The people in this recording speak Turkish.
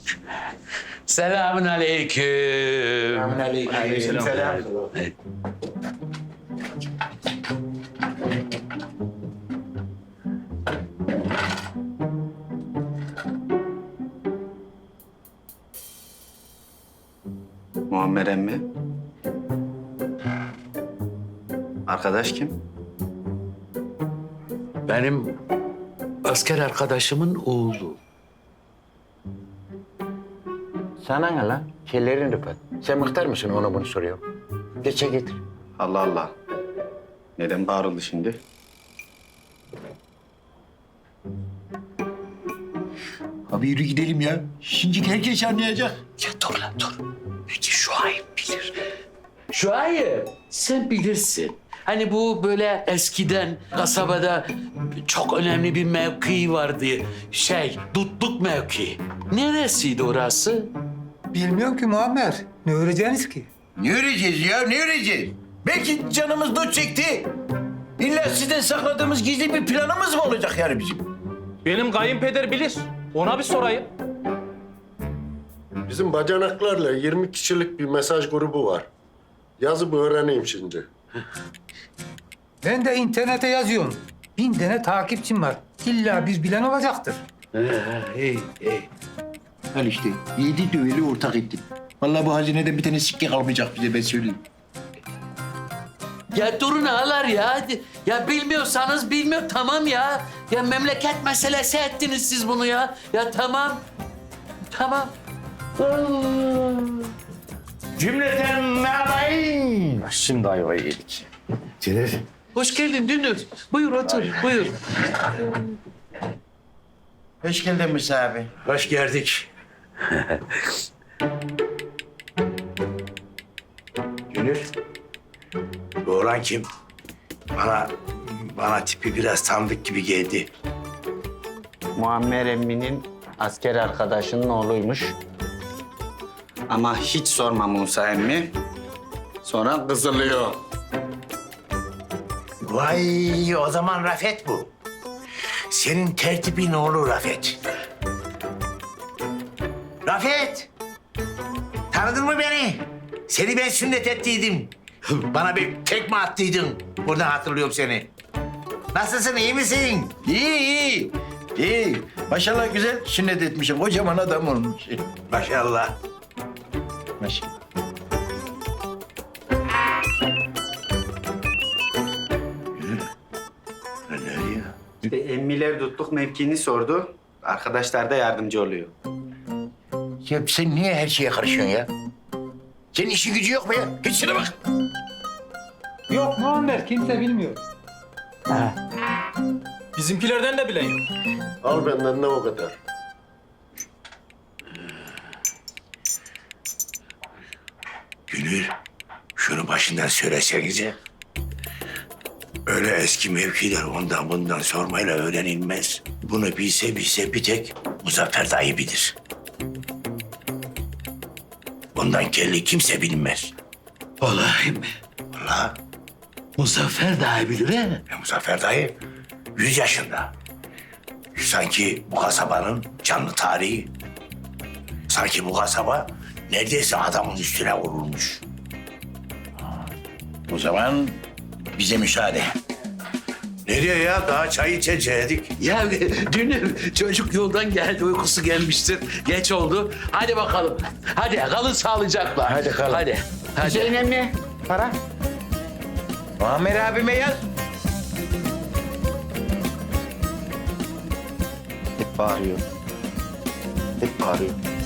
Selamun aleyküm. Aleykümselam. Muammer emmi. Arkadaş kim? Benim asker arkadaşımın oğlu. Sana ne lan? Kellerin Rıfat. Sen muhtar mısın ona bunu soruyor. Geçe getir. Allah Allah. Neden bağırıldı şimdi? Abi yürü gidelim ya. Şimdi herkes anlayacak. Ya dur lan dur. Peki Şuayb bilir. Şuayb sen bilirsin. Hani bu böyle eskiden kasabada çok önemli bir mevki vardı. Dutluk mevki. Neresiydi orası? Bilmiyorum ki Muammer. Ne öğreneceğiniz ki? Ne öreceğiz ya, ne öreceğiz? Belki canımız dut çekti. İlla sizden sakladığımız gizli bir planımız mı olacak yani bizim? Benim kayınpeder bilir. Ona bir sorayım. Bizim bacanaklarla 20 kişilik bir mesaj grubu var. Yazıp öğreneyim şimdi. Ben de internete yazıyorum. 1000 tane takipçim var. İlla bir bilen olacaktır. İyi. Al işte, 7 düveli ortak ettim. Vallahi bu hazineden bir tane sikke kalmayacak bize, ben söyleyeyim. Ya durun ağalar ya. Hadi. Ya bilmiyorsanız bilmiyor. Tamam ya. Ya memleket meselesi ettiniz siz bunu ya. Ya tamam. Tamam. Cümleten merhabayın. Şimdi ayvayı yedik. Celal. Hoş geldin Dünür. Buyur otur, buyur. Hoş geldin Musa abi. Hoş geldik. Gönül, bu oğlan kim? Bana tipi biraz tanıdık gibi geldi. Muammer emminin asker arkadaşının oğluymuş. Ama hiç sorma Musa emmi. Sonra kızılıyor. Vay, o zaman Rafet bu. Senin tertibin oğlu Rafet. Rafet! Tanıdın mı beni? Seni ben sünnet ettiydim. Bana bir tekme attıydın. Buradan hatırlıyorum seni. Nasılsın, iyi misin? İyi. İyi. Maşallah güzel sünnet etmişim. Kocaman adam olmuş. Maşallah. Maşallah. Ne diyor? Emmiler tutluk mevkini sordu. Arkadaşlar da yardımcı oluyor. Ya sen niye her şeye karışıyorsun ya? Senin işin gücü yok mu ya? Hiç şuna bak. Yok Muammer, kimse bilmiyor. Bizimkilerden de bilen yok. Al benden de o kadar. Gönül, şunu başından söylesenize. Öyle eski mevkiler ondan bundan sormayla öğrenilmez. Bunu bilse bir tek Muzaffer dayı bilir. Bundan kelli kimse bilmez. Vallahi mi? Vallahi Muzaffer daha bilir he. Muzaffer dayı 100 yaşında. Sanki bu kasabanın canlı tarihi. Sanki bu kasaba neredeyse adamın üstüne vurulmuş. O zaman bize müsaade. Nereye ya? Daha çay içecektik. Ya Dünür çocuk yoldan geldi, uykusu gelmiştir. Geç oldu. Hadi bakalım. Hadi kalın sağlıcakla. Hadi kalın. Hadi. Hüseyin emmi, para. Muammer abime yaz. Hep bağırıyor. Hep bağırıyor.